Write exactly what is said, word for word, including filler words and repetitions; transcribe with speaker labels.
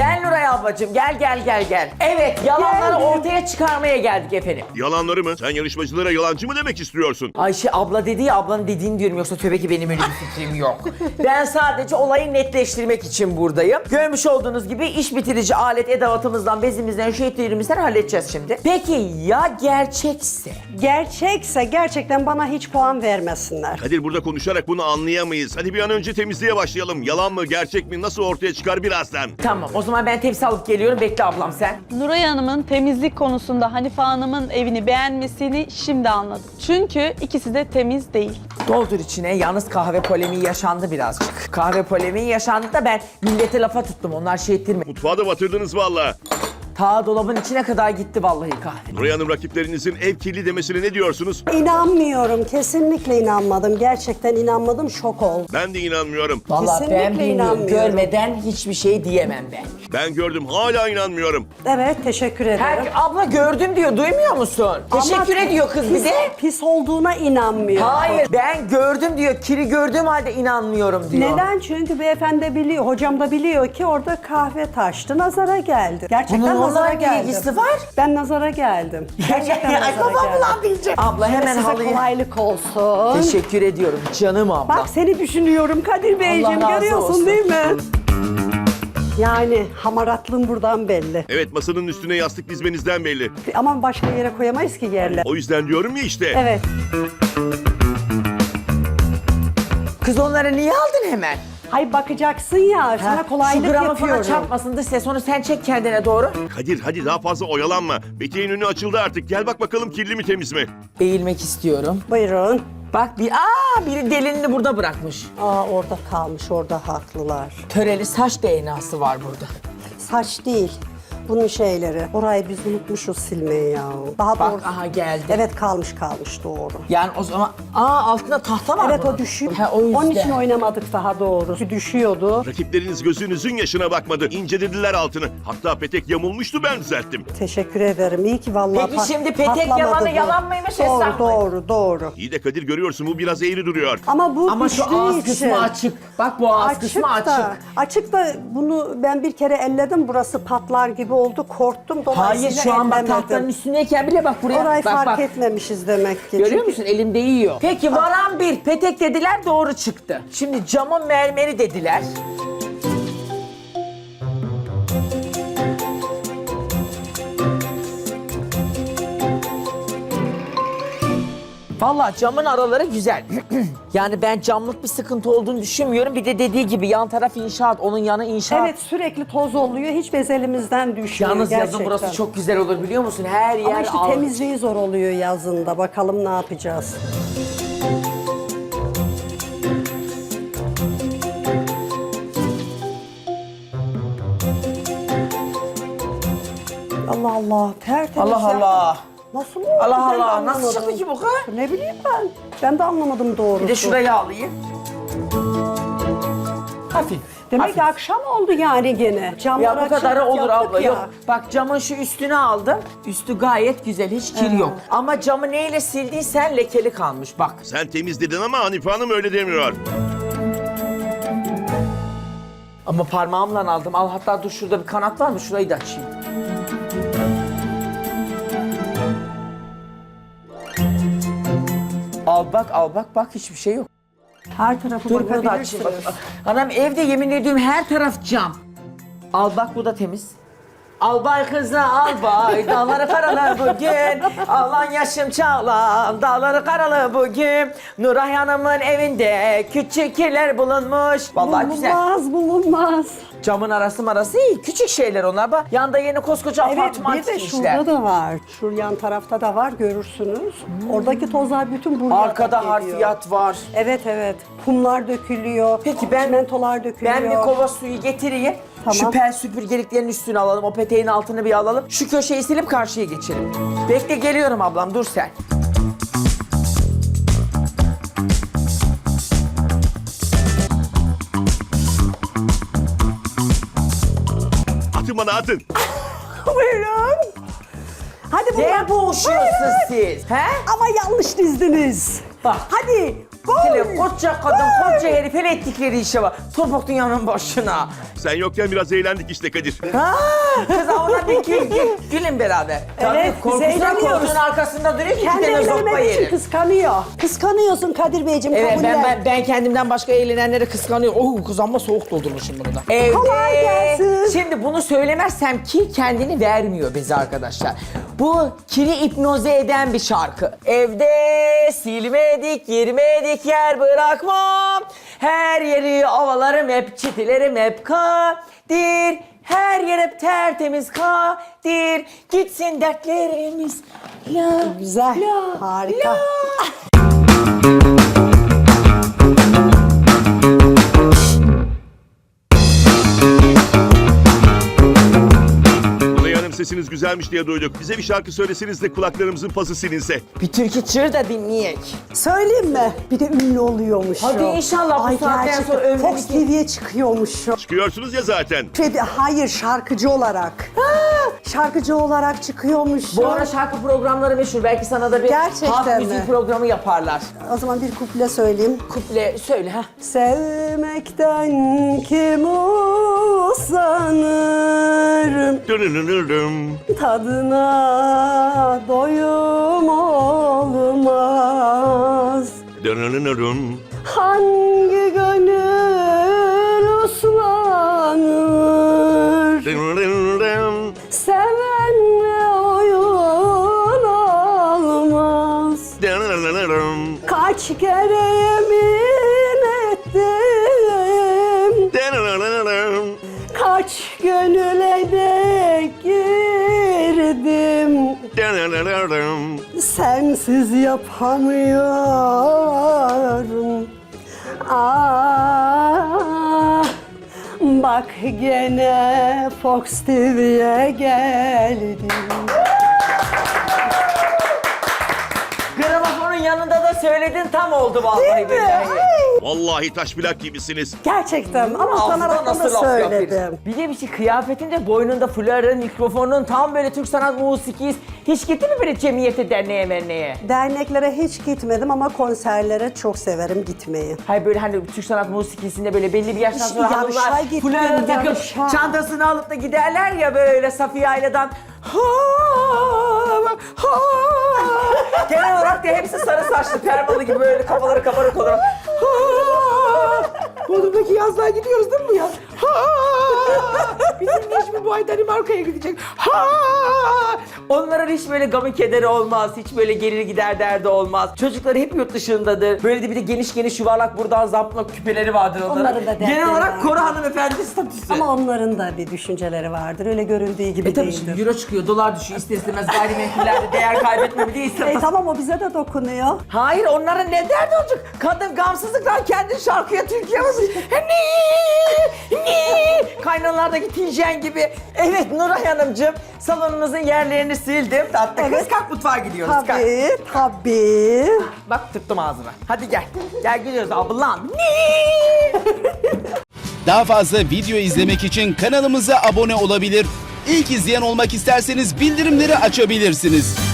Speaker 1: Gel Nuray ablacığım gel gel gel gel. Evet yalanları
Speaker 2: Geldim.
Speaker 1: ortaya çıkarmaya geldik efendim.
Speaker 3: Yalanları mı? Sen yarışmacılara yalancı mı demek istiyorsun?
Speaker 1: Ayşe abla dedi ya ablanın dediğini diyorum yoksa tövbe ki benim öyle bir fikrim yok. Ben sadece olayı netleştirmek için buradayım. Görmüş olduğunuz gibi iş bitirici alet edevatımızdan, bezimizden, şehitlerimizden halledeceğiz şimdi. Peki ya gerçekse?
Speaker 2: Gerçekse gerçekten bana hiç puan vermesinler.
Speaker 3: Kadir burada konuşarak bunu anlayamayız. Hadi bir an önce temizliğe başlayalım. Yalan mı gerçek mi nasıl ortaya çıkar birazdan.
Speaker 1: Tamam o zaman ben tepsi alıp geliyorum. Bekle ablam sen.
Speaker 4: Nuray Hanım'ın temizlik konusunda Hanife Hanım'ın evini beğenmesini şimdi anladım. Çünkü ikisi de temiz değil.
Speaker 1: Doldur içine. Yalnız kahve polemiği yaşandı birazcık. Kahve polemiği yaşandı da ben millete lafa tuttum. Onlar şey ettirme.
Speaker 3: Mutfağı da batırdınız valla.
Speaker 1: Ta dolabın içine kadar gitti vallahi kahve.
Speaker 3: Nuray Hanım rakiplerinizin ev kirli demesine ne diyorsunuz?
Speaker 2: İnanmıyorum. Kesinlikle inanmadım. Gerçekten inanmadım. Şok oldum.
Speaker 3: Ben de inanmıyorum.
Speaker 1: Vallahi
Speaker 2: Kesinlikle
Speaker 1: ben bilmiyorum.
Speaker 2: inanmıyorum.
Speaker 1: Görmeden hiçbir şey diyemem ben.
Speaker 3: Ben gördüm hala inanmıyorum.
Speaker 2: Evet, teşekkür ederim.
Speaker 1: Her, abla gördüm diyor. Duymuyor musun?
Speaker 2: Ama
Speaker 1: Teşekkür ediyor kız
Speaker 2: pis,
Speaker 1: bize.
Speaker 2: Pis olduğuna inanmıyorum.
Speaker 1: Hayır ben gördüm diyor. Kiri gördüğüm halde inanmıyorum diyor.
Speaker 2: Neden? Çünkü beyefendi de biliyor, hocam da biliyor ki orada kahve taştı, nazara geldi. Gerçekten
Speaker 1: Bunun
Speaker 2: nazara
Speaker 1: onunla
Speaker 2: geldim.
Speaker 1: ilgisi var.
Speaker 2: Ben nazara geldim. Gerçekten
Speaker 1: Ay
Speaker 2: nazara
Speaker 1: babam
Speaker 2: geldim.
Speaker 1: ulan diyeceğim. Abla hemen
Speaker 2: Size
Speaker 1: halıyı.
Speaker 2: kolaylık olsun.
Speaker 1: Teşekkür ediyorum canım abla.
Speaker 2: Bak seni düşünüyorum Kadir Beyciğim,
Speaker 1: razı
Speaker 2: görüyorsun
Speaker 1: olsun.
Speaker 2: değil mi? Yani hamaratlığım buradan belli.
Speaker 3: Evet masanın üstüne yastık dizmenizden belli.
Speaker 2: Ama başka yere koyamayız ki yerler.
Speaker 3: O yüzden diyorum ya işte.
Speaker 2: Evet.
Speaker 1: Kız onları niye aldın hemen?
Speaker 2: Hay bakacaksın ya, sana
Speaker 1: Ha,
Speaker 2: kolaylık
Speaker 1: şu gramı
Speaker 2: yapıyorum.
Speaker 1: falan çarpmasın dış ses. Onu sen çek kendine doğru.
Speaker 3: Kadir hadi daha fazla oyalanma. Peteğin önü açıldı artık. Gel bak bakalım kirli mi temiz mi?
Speaker 1: Eğilmek istiyorum.
Speaker 2: Buyurun.
Speaker 1: Bak bir aa biri delinini burada bırakmış.
Speaker 2: Aa, orada kalmış, orada haklılar.
Speaker 1: Töreli saç D N A'sı var burada.
Speaker 2: Saç değil, bunun şeyleri. Orayı biz unutmuşuz silmeyi ya. Daha
Speaker 1: Bak
Speaker 2: doğrusu.
Speaker 1: aha geldi.
Speaker 2: Evet, kalmış kalmış doğru.
Speaker 1: Yani o zaman aa altında tahta var
Speaker 2: Evet,
Speaker 1: bunun.
Speaker 2: o düşüyor.
Speaker 1: Ha, o yüzden.
Speaker 2: Onun için oynamadık daha doğrusu. Düşüyordu.
Speaker 3: Rakipleriniz gözünüzün yaşına bakmadı. İncelediler altını. Hatta petek yamulmuştu ben düzelttim.
Speaker 2: Teşekkür ederim. İyi ki vallahi
Speaker 1: Peki
Speaker 2: pat-
Speaker 1: şimdi petek
Speaker 2: patlamadı
Speaker 1: yalanı
Speaker 2: bu.
Speaker 1: yalan mıymış,
Speaker 2: Doğru,
Speaker 1: hesap mı?
Speaker 2: doğru, doğru.
Speaker 3: İyi de Kadir görüyorsun bu biraz eğri duruyor.
Speaker 2: Ama bu
Speaker 1: Ama şu
Speaker 2: düştüğü
Speaker 1: ağız
Speaker 2: için-
Speaker 1: kısmı açık. Bak bu ağız kısmı açık.
Speaker 2: Da, açık da bunu ben bir kere elledim. Burası patlar gibi oldu. Korktum.
Speaker 1: Hayır
Speaker 2: Dolayısıyla
Speaker 1: şu an bak
Speaker 2: ellemedim.
Speaker 1: tahtanın üstündeyken bile bak buraya.
Speaker 2: Orayı
Speaker 1: bak,
Speaker 2: fark
Speaker 1: bak.
Speaker 2: etmemişiz demek ki.
Speaker 1: Görüyor
Speaker 2: Çünkü
Speaker 1: musun? Elimde yiyor. Peki varan bir petek dediler doğru çıktı. Şimdi camın mermeri dediler. Vallahi camın araları güzel. Yani ben camlık bir sıkıntı olduğunu düşünmüyorum. Bir de dediği gibi yan taraf inşaat, onun yanı inşaat.
Speaker 2: Evet, sürekli toz oluyor. Hiç bez elimizden düşmüyor
Speaker 1: Yalnız
Speaker 2: gerçekten.
Speaker 1: yazın burası çok güzel olur biliyor musun? Her yer
Speaker 2: Ama işte
Speaker 1: al-
Speaker 2: temizliği zor oluyor yazında. Bakalım ne yapacağız. Allah Allah, tertemiz
Speaker 1: Allah
Speaker 2: yaptım.
Speaker 1: Allah.
Speaker 2: Nasıl oldu?
Speaker 1: Allah
Speaker 2: Ben de
Speaker 1: Allah, nasıl
Speaker 2: anlamadım.
Speaker 1: çıktı ki bu kız?
Speaker 2: Ne bileyim ben. Ben de anlamadım doğrusu.
Speaker 1: Bir de şurayı alayım. Hafif.
Speaker 2: Demek
Speaker 1: hafif.
Speaker 2: ki akşam oldu yani gene. Camlar
Speaker 1: Ya bu kadarı
Speaker 2: açık
Speaker 1: olur
Speaker 2: yaptık
Speaker 1: abla.
Speaker 2: ya.
Speaker 1: Yok. Bak camın şu üstünü aldım. Üstü gayet güzel. Hiç kir yok. Ama camı neyle sildiysen lekeli kalmış bak.
Speaker 3: Sen temiz dedin ama Hanife Hanım öyle demiyor.
Speaker 1: Ama parmağımla aldım. Al hatta dur şurada bir kanat var mı? Şurayı da açayım. Al bak al bak bak hiçbir şey yok.
Speaker 2: Her tarafı
Speaker 1: Dur bunu da açayım. Bak.
Speaker 2: bakabilirsiniz.
Speaker 1: Anam evde yemin ediyorum her taraf cam. Al bak bu da temiz. Albay kızı albay, dağları karalı bugün. Alan yaşım çağlan, dağları karalı bugün. Nuray Hanım'ın evinde küçük kirler bulunmuş. Vallahi güzel.
Speaker 2: Bulunmaz, bulunmaz.
Speaker 1: Camın arası marası iyi. Küçük şeyler onlar. Bak yanda yeni koskoca
Speaker 2: Evet,
Speaker 1: apartman
Speaker 2: bir de
Speaker 1: dikmişler.
Speaker 2: şurada da var. Şu yan tarafta da var, görürsünüz. Oradaki tozlar bütün buraya
Speaker 1: Arkada
Speaker 2: geliyor.
Speaker 1: harfiyat var.
Speaker 2: Evet, evet. Kumlar dökülüyor.
Speaker 1: Peki ben
Speaker 2: çimentolar dökülüyor.
Speaker 1: Ben bir kova suyu getireyim.
Speaker 2: Tamam.
Speaker 1: Şu pel süpürgeliklerin üstüne alalım. O peteğin altını bir alalım. Şu köşeyi silip karşıya geçelim. Bekle geliyorum ablam dur sen.
Speaker 3: Atın bana atın.
Speaker 2: Buyurun. Hadi bunlar.
Speaker 1: Ne boğuşuyorsunuz siz? He?
Speaker 2: Ama yanlış dizdiniz.
Speaker 1: Bak.
Speaker 2: Hadi
Speaker 1: Hele koca kadın, koca herif hele ettikleri işe bak. Topuk dünyanın başına.
Speaker 3: Sen yokken biraz eğlendik işte Kadir.
Speaker 1: Ha, kız ona bir gül, gül, gülün beraber. Tabii
Speaker 2: Evet, biz
Speaker 1: korkusundan
Speaker 2: eğleniyoruz.
Speaker 1: koltuğun arkasında duruyor ki
Speaker 2: Kendi
Speaker 1: bir tane zoppa
Speaker 2: evlenmek için
Speaker 1: yerim.
Speaker 2: kıskanıyor. Kıskanıyorsun Kadir Beyciğim,
Speaker 1: Evet
Speaker 2: kabullen.
Speaker 1: ben, ben, ben kendimden başka eğlenenleri kıskanıyorum. Oh kız amma soğuk doldurmuşum bunu da. Evde,
Speaker 2: Kolay gelsin.
Speaker 1: Şimdi bunu söylemezsem ki kendini vermiyor bize arkadaşlar. Bu kiri hipnoze eden bir şarkı. Evde silmedik, girmedik yer bırakmam. Her yeri ovalarım hep, çitilerim hep kadir. Her yer hep tertemiz kadir. Gitsin dertlerimiz. La,
Speaker 2: Güzel,
Speaker 1: la,
Speaker 2: harika.
Speaker 1: la.
Speaker 3: Nuray Hanım sesiniz güzelmiş diye duyduk. Bize bir şarkı söyleseniz de kulaklarımızın pası silinse.
Speaker 1: Bir türkü çığır da dinleyek.
Speaker 2: Söyleyeyim mi? Bir de ünlü oluyormuş.
Speaker 1: Hadi
Speaker 2: o.
Speaker 1: inşallah bu
Speaker 2: Ay,
Speaker 1: saatten
Speaker 2: gerçekten.
Speaker 1: sonra ömrünü
Speaker 2: Fox
Speaker 1: ki-
Speaker 2: T V'ye çıkıyormuş. o.
Speaker 3: Çıkıyorsunuz ya zaten.
Speaker 2: Şey, hayır, şarkıcı olarak. Şarkıcı olarak çıkıyormuş.
Speaker 1: Bu
Speaker 2: o.
Speaker 1: ara şarkı programları meşhur. Belki sana da bir
Speaker 2: Gerçekten
Speaker 1: halk
Speaker 2: mi?
Speaker 1: müziği programı yaparlar.
Speaker 2: O zaman bir kuple söyleyeyim.
Speaker 1: Kuple söyle ha.
Speaker 2: Sevmekten kim usanır,
Speaker 3: Dırırırırım.
Speaker 2: tadına doyum olmaz.
Speaker 3: Dırırırırım.
Speaker 2: Hangi gönül uslanır,
Speaker 3: Dırırırırım.
Speaker 2: sevenle oyun olmaz.
Speaker 3: Dırırırırım.
Speaker 2: Kaç kere yemin ettim,
Speaker 3: Dırırırırım.
Speaker 2: kaç gönüle de girdim,
Speaker 3: Dırırırırım.
Speaker 2: sensiz yapamıyorum. Ah, bak gene Fox T V'ye geldim.
Speaker 1: Gramofonun yanında da söyledin tam oldu vallahi
Speaker 2: Değil mi?
Speaker 1: billahi.
Speaker 2: Ay,
Speaker 3: Vallahi taş plak gibisiniz.
Speaker 2: gerçekten ama
Speaker 1: Ağzına
Speaker 2: utanarak da
Speaker 1: nasıl laf
Speaker 2: söyledim.
Speaker 1: yapıyorsun? Bir de bir şey kıyafetinde boynunda fuların, mikrofonun tam böyle Türk sanat musikisi. Hiç gitti mi böyle cemiyete, derneğe, merneğe?
Speaker 2: Derneklere hiç gitmedim ama konserlere çok severim gitmeyi.
Speaker 1: Hayır böyle hani Türk sanat musikisinde böyle belli bir yaştan sonra
Speaker 2: Yarışa
Speaker 1: hanımlar
Speaker 2: gittim,
Speaker 1: fularını takıp
Speaker 2: yarışa.
Speaker 1: çantasını alıp da giderler ya böyle Safiye Ayla'dan. Ha, ha. Genel olarak da hepsi sarı saçlı, permalı gibi böyle kafaları kabarık olarak. Ha. Bodrum'daki yazlığa gidiyoruz değil mi bu yaz? Ha. Bizim Necmi bu ay Danimarka'ya gidecek. Ha. Onların hiç böyle gamı kederi olmaz, hiç böyle gelir gider derdi olmaz. Çocukları hep yurt dışındadır. Böyle de bir de geniş geniş yuvarlak buradan zampla küpeleri vardır onların.
Speaker 2: Onların da dertleri
Speaker 1: Genel olarak
Speaker 2: var.
Speaker 1: koru hanımefendi statüsü.
Speaker 2: Ama onların da bir düşünceleri vardır. Öyle görüldüğü gibi
Speaker 1: E tabii
Speaker 2: değildir.
Speaker 1: şimdi euro çıkıyor, dolar düşüyor. İster istemez gayrimenkullerde değer kaybetmemi değil.
Speaker 2: E tamam, o bize de dokunuyor.
Speaker 1: Hayır, onların ne derdi olacak? Kadın gamsızlıktan kendi şarkıya Türkiye yazıyor. Ne? Ne? Kaynanalardaki Tijen gibi. Evet Nuray Hanımcığım, salonumuzun yerlerini sildim. Tatlı kız,
Speaker 2: Evet.
Speaker 1: kalk mutfağa gidiyoruz. Kalk.
Speaker 2: Tabii, tabii.
Speaker 1: Bak tuttum ağzına. Hadi gel. Gel gidiyoruz ablam. Ne?
Speaker 5: Daha fazla video izlemek için kanalımıza abone olabilir. İlk izleyen olmak isterseniz bildirimleri açabilirsiniz.